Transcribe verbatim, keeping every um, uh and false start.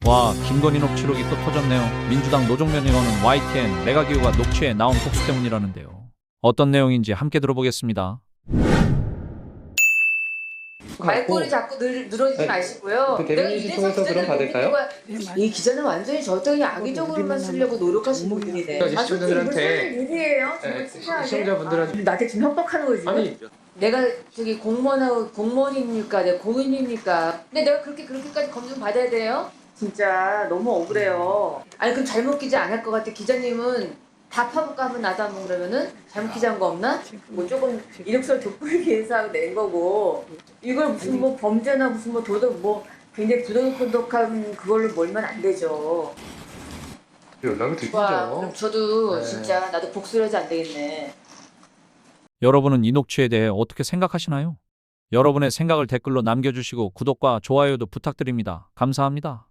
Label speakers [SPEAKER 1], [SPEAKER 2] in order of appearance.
[SPEAKER 1] 와, 김건희 녹취록이 또 터졌네요. 민주당 노종면 의원은 와이티엔 메가기후가 녹취에 나온 폭스 때문이라는데요. 어떤 내용인지 함께 들어보겠습니다.
[SPEAKER 2] 말꼬리 자꾸 늘, 늘어지지
[SPEAKER 3] 아니,
[SPEAKER 2] 마시고요.
[SPEAKER 3] 그
[SPEAKER 2] 내가
[SPEAKER 3] 대변인실
[SPEAKER 2] 이래서
[SPEAKER 3] 통해서
[SPEAKER 2] 기자를
[SPEAKER 3] 그럼
[SPEAKER 2] 못 믿는
[SPEAKER 3] 받을까요?
[SPEAKER 2] 거야. 이 기자는 완전히 저한테 그냥 악의적으로만 쓰려고 노력하시는 분들이네.
[SPEAKER 3] 그러니까
[SPEAKER 2] 아, 솔직히 이거
[SPEAKER 3] 시청자들한테-
[SPEAKER 2] 쓸 일이에요.
[SPEAKER 3] 네,
[SPEAKER 2] 정말 치사하게.
[SPEAKER 3] 시청자분들한테-
[SPEAKER 2] 아, 나한테 지금 협박하는 거지. 지금?
[SPEAKER 3] 아니
[SPEAKER 2] 내가 저기 공무원하고 공무원입니까? 내가 공인입니까? 근데 내가 그렇게 그렇게까지 검증 받아야 돼요? 진짜 너무 억울해요. 아니 그럼 잘못 기자 안 할 것 같아. 기자님은 다 파볼까 하면 나도 한번 그러면은 잘못 기자한 거 없나? 뭐 조금 이력서를 돋보이기 위해서 하고 낸 거고 이걸 무슨 뭐 범죄나 무슨 뭐 도덕 뭐 굉장히 부도덕한 그걸로 몰면 안 되죠.
[SPEAKER 3] 연락을
[SPEAKER 2] 와
[SPEAKER 3] 드리죠.
[SPEAKER 2] 그럼 저도
[SPEAKER 3] 네.
[SPEAKER 2] 진짜 나도 복수를 하지 안 되겠네.
[SPEAKER 1] 여러분은 이 녹취에 대해 어떻게 생각하시나요? 여러분의 생각을 댓글로 남겨주시고 구독과 좋아요도 부탁드립니다. 감사합니다.